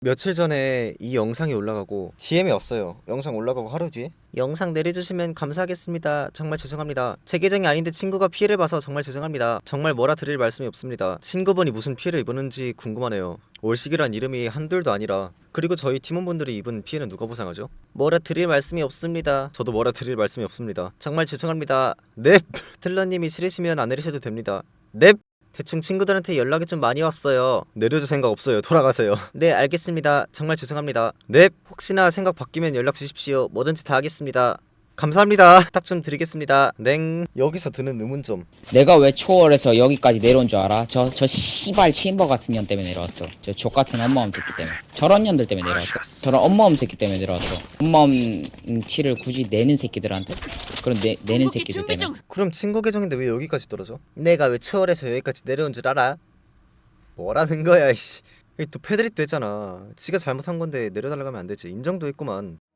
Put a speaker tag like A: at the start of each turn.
A: 며칠 전에 이 영상이 올라가고 DM이 왔어요. 영상 올라가고 하루 뒤에 영상 내려주시면 감사하겠습니다. 정말 죄송합니다. 제 계정이 아닌데 친구가 피해를 봐서 정말 죄송합니다. 정말 뭐라 드릴 말씀이 없습니다. 친구분이 무슨 피해를 입었는지 궁금하네요. 올식이란 이름이 한둘도 아니라. 그리고 저희 팀원분들이 입은 피해는 누가 보상하죠? 뭐라 드릴 말씀이 없습니다. 저도 뭐라 드릴 말씀이 없습니다. 정말 죄송합니다. 넵! 틀러님이 싫으시면 안 내리셔도 됩니다. 넵! 대충 친구들한테 연락이 좀 많이 왔어요. 내려줄 생각 없어요. 돌아가세요. 네, 알겠습니다. 정말 죄송합니다. 넵. 혹시나 생각 바뀌면 연락 주십시오. 뭐든지 다 하겠습니다. 감사합니다. 부탁 좀 드리겠습니다. 냉. 여기서 드는 의문점.
B: 내가 왜 초월해서 여기까지 내려온 줄 알아? 저 씨발 체인버 같은 년 때문에 내려왔어. 저 족같은 엄마엄 새끼 때문에. 저런 년들 때문에 내려왔어. 저런 엄마엄 새끼 때문에 내려왔어. 엄마엄 티를 굳이 내는 새끼들한테? 그럼 내는 새끼들 때문에.
A: 그럼 친구 계정인데 왜 여기까지 떨어져? 내가 왜 초월해서 여기까지 내려온 줄 알아? 뭐라는 거야 이씨. 또 패드립도 했잖아. 지가 잘못한 건데 내려달라고 하면 안 되지. 인정도 했구만.